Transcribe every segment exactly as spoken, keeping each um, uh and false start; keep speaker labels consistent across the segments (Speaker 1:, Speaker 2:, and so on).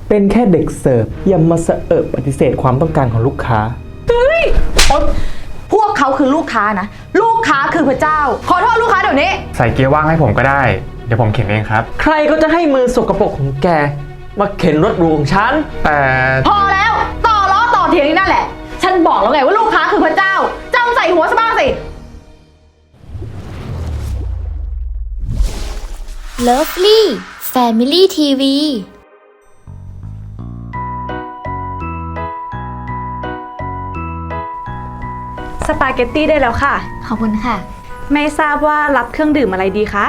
Speaker 1: เป็นแค่เด็กเสิร์ฟอย่ามาสะเอิบปฏิเสธความต้องการของลูกค้า
Speaker 2: เฮ้ยพวกเขาคือลูกค้านะลูกค้าคือพระเจ้าขอโทษลูกค้าเดี๋ยวนี้
Speaker 3: ใส่เกียร์ว่างให้ผมก็ได้เดี๋ยวผมเข็นเองครับ
Speaker 1: ใครก็จะให้มือสกปรกของแกมาเข็นรถหรูของฉัน
Speaker 3: แต่
Speaker 2: พอแล้วต่อล้อต่อเถียงนี่นั่นแหละฉันบอกแล้วไงว่าลูกค้าคือพระเจ้าจำใส่หัวซะบ้างสิ
Speaker 4: Lovely Family ที วี
Speaker 5: สปาเกตตี้ได้แล้วค่ะ
Speaker 4: ขอบคุณค่ะ
Speaker 5: ไม่ทราบว่ารับเครื่องดื่มอะไรดีคะ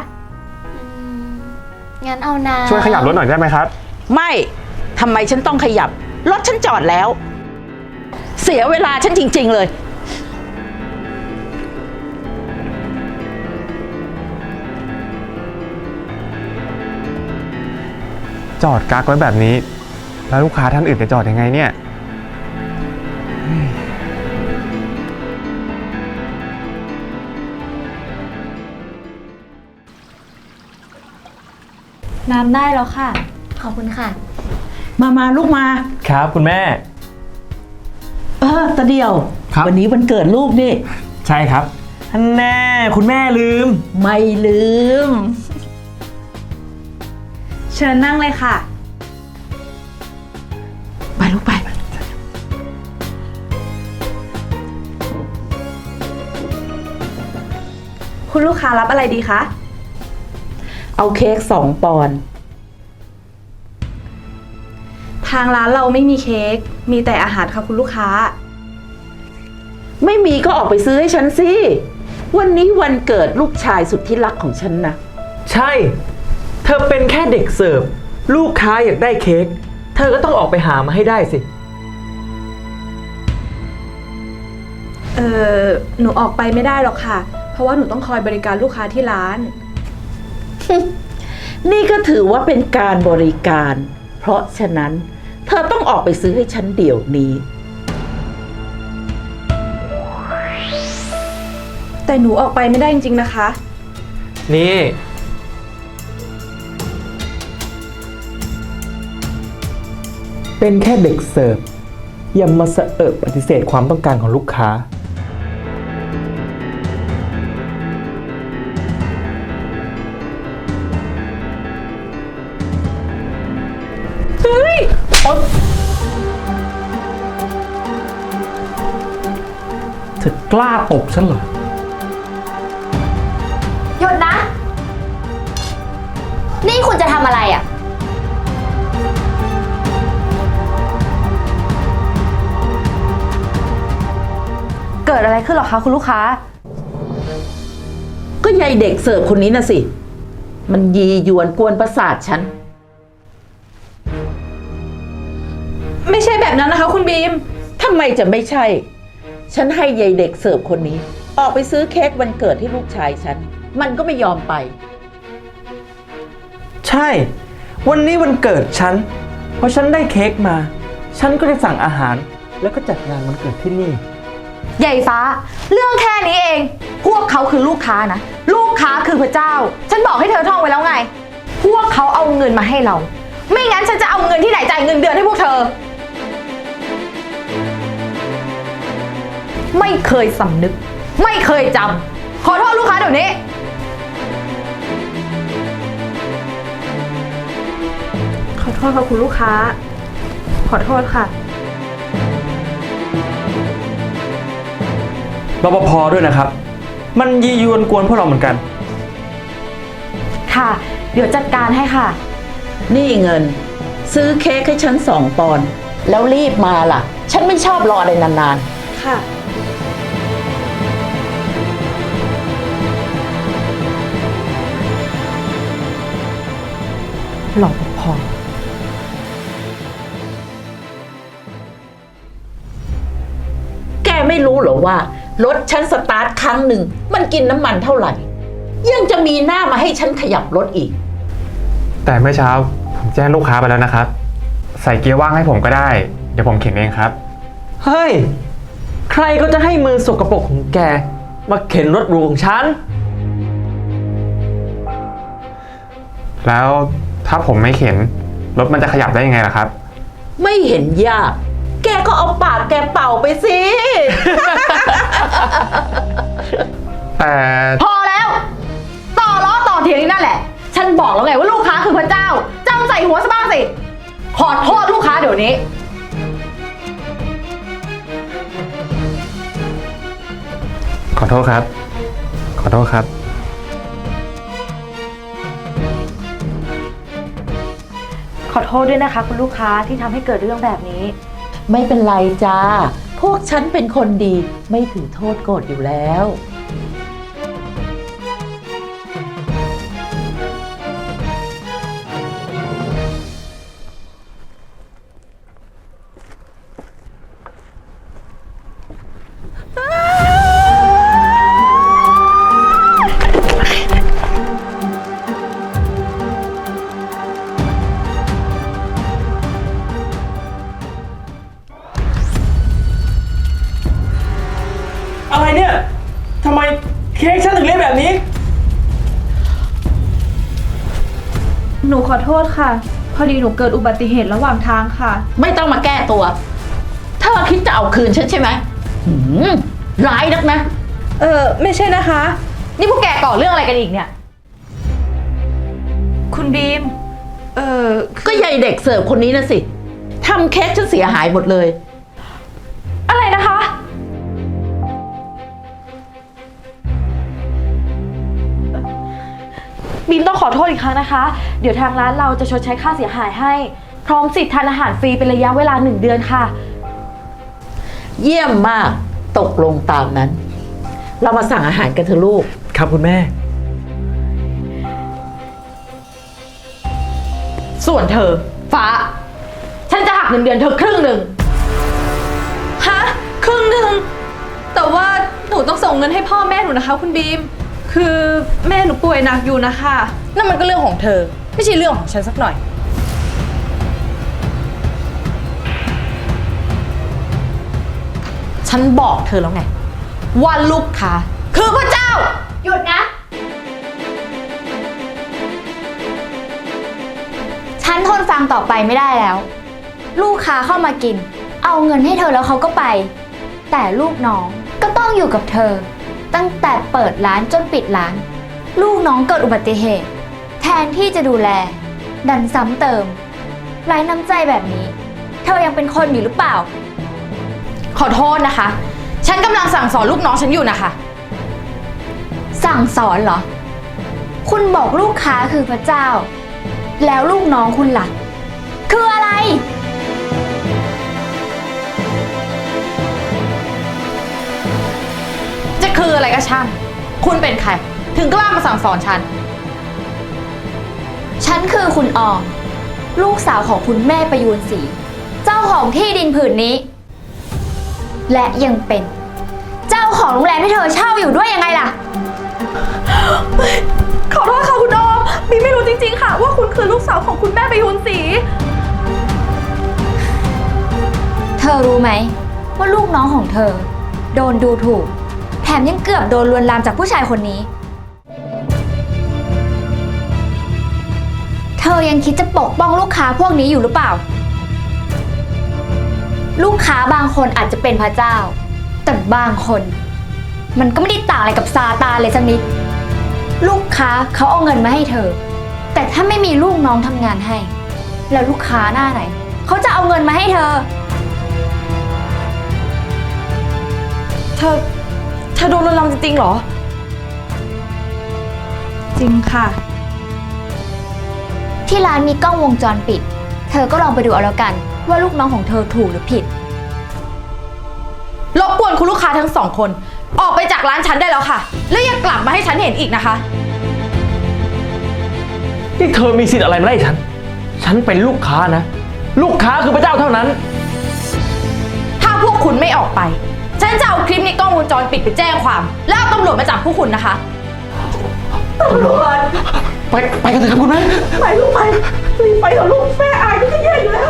Speaker 4: งั้นเอาน้ำ
Speaker 3: ช่วยขยับรถหน่อยได้ไหมครับ
Speaker 6: ไม่ทำไมฉันต้องขยับรถฉันจอดแล้วเสียเวลาฉันจริงๆเลย
Speaker 3: จอดกักไว้แบบนี้แล้วลูกค้าท่านอื่นจะจอดยังไงเนี่ย
Speaker 5: น้ำได้แล้วค่ะ
Speaker 4: ขอบคุณค่ะ
Speaker 6: มามาลูกมา
Speaker 1: ครับคุณแม่
Speaker 6: เออตาเดียววันนี้วันเกิดลูกนี่
Speaker 1: ใช่ครับท่านแน่คุณแม่ลืม
Speaker 6: ไม่ลืม
Speaker 5: เชิญนั่งเลยค่ะ
Speaker 6: ไปลูกไป
Speaker 5: คุณลูกค้ารับอะไรดีคะ
Speaker 6: เอาเค้กสองปอนด์
Speaker 5: ทางร้านเราไม่มีเค้กมีแต่อาหารค่ะคุณลูกค้า
Speaker 6: ไม่มีก็ออกไปซื้อให้ฉันสิวันนี้วันเกิดลูกชายสุดที่รักของฉันนะ
Speaker 1: ใช่เธอเป็นแค่เด็กเสิร์ฟลูกค้าอยากได้เค้กเธอก็ต้องออกไปหามาให้ได้สิ
Speaker 5: เออหนูออกไปไม่ได้หรอกค่ะเพราะว่าหนูต้องคอยบริการลูกค้าที่ร้าน
Speaker 6: นี่ก็ถือว่าเป็นการบริการเพราะฉะนั้นเธอต้องออกไปซื้อให้ฉันเดี๋ยวนี้
Speaker 5: แต่หนูออกไปไม่ได้จริงๆนะคะ
Speaker 1: นี่เป็นแค่เด็กเสิร์ฟอย่ามาสะเอิบปฏิเสธความต้องการของลูกค้า
Speaker 5: เฮ้ย
Speaker 1: เธอกล้าตบฉันเหรอ
Speaker 4: หยุดนะ นี่คุณจะทำอะไรอ่ะ
Speaker 2: เกิดอะไรขึ้นหรอคะคุณลูกค้า
Speaker 6: ก็ยายเด็กเสิร์ฟคนนี้น่ะสิมันยียวนกวนประสาทฉัน
Speaker 5: ไม่ใช่แบบนั้นนะคะคุณบีม
Speaker 6: ทำไมจะไม่ใช่ฉันให้ยายเด็กเสิร์ฟคนนี้ออกไปซื้อเค้กวันเกิดให้ลูกชายฉันมันก็ไม่ยอมไป
Speaker 1: ใช่วันนี้วันเกิดฉันพอฉันได้เค้กมาฉันก็จะสั่งอาหารแล้วก็จัดงานวันเกิดที่นี่
Speaker 2: ใหญ่ฟ้าเรื่องแค่นี้เองพวกเขาคือลูกค้านะลูกค้าคือพระเจ้าฉันบอกให้เธอท่องไว้แล้วไงพวกเขาเอาเงินมาให้เราไม่งั้นฉันจะเอาเงินที่ไหนจ่ายเงินเดือนให้พวกเธอไม่เคยสำนึกไม่เคยจำขอโทษลูกค้าเดี๋ยวนี้
Speaker 5: ขอโทษค่ะคุณลูกค้าขอโทษค่ะ
Speaker 1: รปภ.ด้วยนะครับมันยียวนกวนพวกเราเหมือนกัน
Speaker 2: ค่ะเดี๋ยวจัดการให้ค่ะ
Speaker 6: นี่เงินซื้อเค้กให้ฉันสองปอนด์แล้วรีบมาล่ะฉันไม่ชอบรออะไรนาน
Speaker 5: ๆค่ะ
Speaker 2: รปภ.
Speaker 6: แกไม่รู้เหรอว่ารถฉันสตาร์ทครั้งหนึ่งมันกินน้ำมันเท่าไหร่ยังจะมีหน้ามาให้ฉันขยับรถอีก
Speaker 3: แต่เมื่อเช้าผมแจ้งลูกค้าไปแล้วนะครับใส่เกียร์ว่างให้ผมก็ได้เดี๋ยวผมเข็นเองครับ
Speaker 1: เฮ้ยใครก็จะให้มือสกปรกของแกมาเข็นรถหรูของฉัน
Speaker 3: แล้วถ้าผมไม่เข็นรถมันจะขยับได้ยังไงล่ะครับ
Speaker 6: ไม่เห็นยาก แกก็เอาปากแกเป่าไปสิ
Speaker 3: แต่
Speaker 2: พอแล้ว ต่อล้อต่อเถียงนี่นั่นแหละ ฉันบอกแล้วไงว่าลูกค้าคือพระเจ้าจำใส่หัวซะบ้างสิ ขอโทษลูกค้าเดี๋ยวนี้
Speaker 3: ขอโทษครับ ขอโทษครับ
Speaker 2: ขอโทษด้วยนะคะคุณลูกค้าที่ทำให้เกิดเรื่องแบบนี้
Speaker 6: ไม่เป็นไรจ้า พวกฉันเป็นคนดีไม่ถือโทษโกรธอยู่แล้ว
Speaker 1: อะไรเนี่ยทำไมเค้กฉันถึงเละแบบนี้
Speaker 5: หนูขอโทษค่ะ พอดีหนูเกิดอุบัติเหตุระหว่างทางค่ะ
Speaker 6: ไม่ต้องมาแก้ตัว เธอคิดจะเอาคืนฉันใช่ไหมหืมร้ายนักนะ
Speaker 5: เออไม่ใช่นะคะ
Speaker 2: นี่พวกแกก่อเรื่องอะไรกันอีกเนี่ย
Speaker 5: คุณบีม เออ
Speaker 6: ก็ยายเด็กเสิร์ฟคนนี้นะสิทำเค้กฉันเสียหายหมดเลย
Speaker 2: อะไรนะคะ บีมต้องขอโทษอีกครั้งนะคะ เดี๋ยวทางร้านเราจะชดใช้ค่าเสียหายให้ พร้อมสิทธิ์ทานอาหารฟรีเป็นระยะเวลาหนึ่งเดือนค่ะ
Speaker 6: เยี่ยมมากตกลงตามนั้น เรามาสั่งอาหารกันเถอะลูก
Speaker 1: ครับคุณแม่
Speaker 2: ส่วนเธอ ฟ้า ฉันจะหักเงินเดือนเธอครึ่งหนึ่ง
Speaker 5: ฮะ ครึ่งหนึ่ง แต่ว่าหนูต้องส่งเงินให้พ่อแม่หนูนะคะ คุณบีม คือแม่หนูป่วยหนักอยู่นะคะ
Speaker 2: นั่นมันก็เรื่องของเธอ ไม่ใช่เรื่องของฉันสักหน่อย ฉันบอกเธอแล้วไง ว่าลูกค้าคือพระเจ้า
Speaker 4: หยุดนะ ฉันทนฟังต่อไปไม่ได้แล้ว ลูกค้าเข้ามากิน เอาเงินให้เธอแล้วเขาก็ไป แต่ลูกน้องก็ต้องอยู่กับเธอ ตั้งแต่เปิดร้านจนปิดร้าน ลูกน้องเกิดอุบัติเหตุ แทนที่จะดูแล ดันซ้ำเติมไร้น้ำใจแบบนี้ เธอยังเป็นคนอยู่หรือเปล่า
Speaker 2: ขอโทษนะคะ ฉันกำลังสั่งสอนลูกน้องฉันอยู่นะคะ
Speaker 4: สั่งสอนเหรอ คุณบอกลูกค้าคือพระเจ้า แล้วลูกน้องคุณล่ะ คืออะไร
Speaker 2: จะคืออะไรก็ช่าง คุณเป็นใคร ถึงกล้ามาสั่งสอนฉัน
Speaker 4: ฉันคือคุณออม ลูกสาวของคุณแม่ประยูนศรีเจ้าของที่ดินผืนนี้ และยังเป็นเจ้าของโรงแรมที่เธอเช่าอยู่ด้วยยังไงล่ะ
Speaker 5: ขอโทษค่ะคุณออมบีมไม่รู้จริงๆค่ะ ว่าคุณคือลูกสาวของคุณแม่ประยูนศรี
Speaker 4: เธอรู้ไหมว่าลูกน้องของเธอ โดนดูถูก แถมยังเกือบโดนลวนลามจากผู้ชายคนนี้ เธอยังคิดจะปกป้องลูกค้าพวกนี้อยู่หรือเปล่า ลูกค้าบางคนอาจจะเป็นพระเจ้า แต่บางคน มันก็ไม่ได้ต่างอะไรกับซาตานเลยสักนิด ลูกค้าเขาเอาเงินมาให้เธอ แต่ถ้าไม่มีลูกน้องทำงานให้ แล้วลูกค้าหน้าไหนเขาจะเอาเงินมาให้เธอ
Speaker 2: เธอ เธอโดนลวนลามจริงๆเหรอ
Speaker 5: จริงค่ะ
Speaker 4: ที่ร้านมีกล้องวงจรปิด เธอก็ลองไปดูเอาแล้วกัน ว่าลูกน้องของเธอถูกหรือผิด
Speaker 2: รบกวนคุณลูกค้าทั้งสองคน ออกไปจากร้านฉันได้แล้วค่ะ แล้วอย่ากลับมาให้ฉันเห็นอีกนะคะ
Speaker 1: นี่เธอมีสิทธิ์อะไรมาไล่ฉัน ฉันเป็นลูกค้านะ ลูกค้าคือพระเจ้าเท่านั้น
Speaker 2: ถ้าพวกคุณไม่ออกไป ฉันจะเอาคลิปในกล้องวงจรปิดไปแจ้งความ แล้วเอาตำรวจมาจับพวกคุณนะคะ
Speaker 1: ไปไปกันเถอะครับคุณแม่
Speaker 6: ไปลูกไปรีบไปเถอะลูกแม่อายก็จะแย่อยู่แล้ว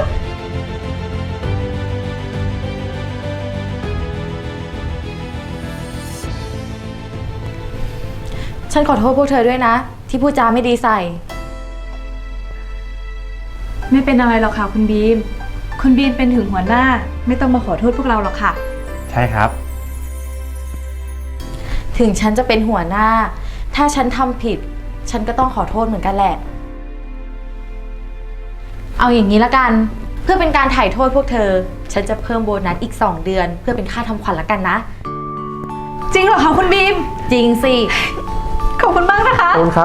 Speaker 2: ฉันขอโทษพวกเธอด้วยนะ ที่พูดจาไม่ดีใส่
Speaker 5: ไม่เป็นอะไรหรอกค่ะคุณบีมคุณบีมเป็นถึงหัวหน้า ไม่ต้องมาขอโทษพวกเราหรอกค่ะ
Speaker 3: ใช่ครับ
Speaker 2: ถึงฉันจะเป็นหัวหน้า ถ้าฉันทำผิด ฉันก็ต้องขอโทษเหมือนกันแหละ เอาอย่างนี้ละกัน เพื่อเป็นการถ่ายโทษพวกเธอ ฉันจะเพิ่มโบนัสอีกสองเดือน เพื่อเป็นค่าทำขวัญละกันนะ
Speaker 5: จริงเหรอคะคุณบีม
Speaker 2: จริงสิ
Speaker 5: ขอบคุณมากนะคะ
Speaker 1: ขอบคุณครับ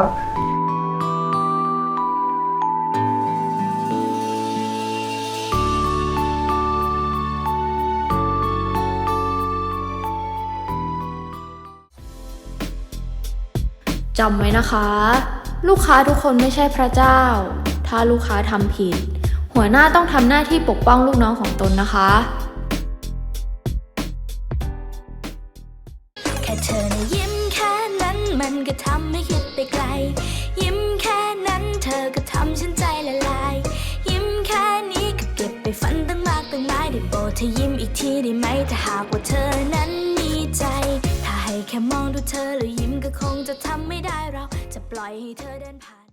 Speaker 7: จำไว้นะคะ ลูกค้าทุกคนไม่ใช่พระเจ้า ถ้าลูกค้าทำผิด หัวหน้าต้องทำหน้าที่ปกป้องลูกน้องของตนนะคะ
Speaker 8: แค่เธอนะยิ้มแค่นั้นมันก็ทำให้คิดไปไกล ยิ้มแค่นั้นเธอก็ทำฉันใจละลาย ยิ้มแค่นี้ก็เก็บไปฝันตั้งมากตั้งหลายได้โปรดเธอยิ้มอีกทีได้ไหมถ้าหากว่าเธอนั้นมีใจ ถ้าให้แค่มองดูเธอแล้วยิ้มก็คงจะทำไม่ได้เราจะปล่อยให้เธอเดินผ่าน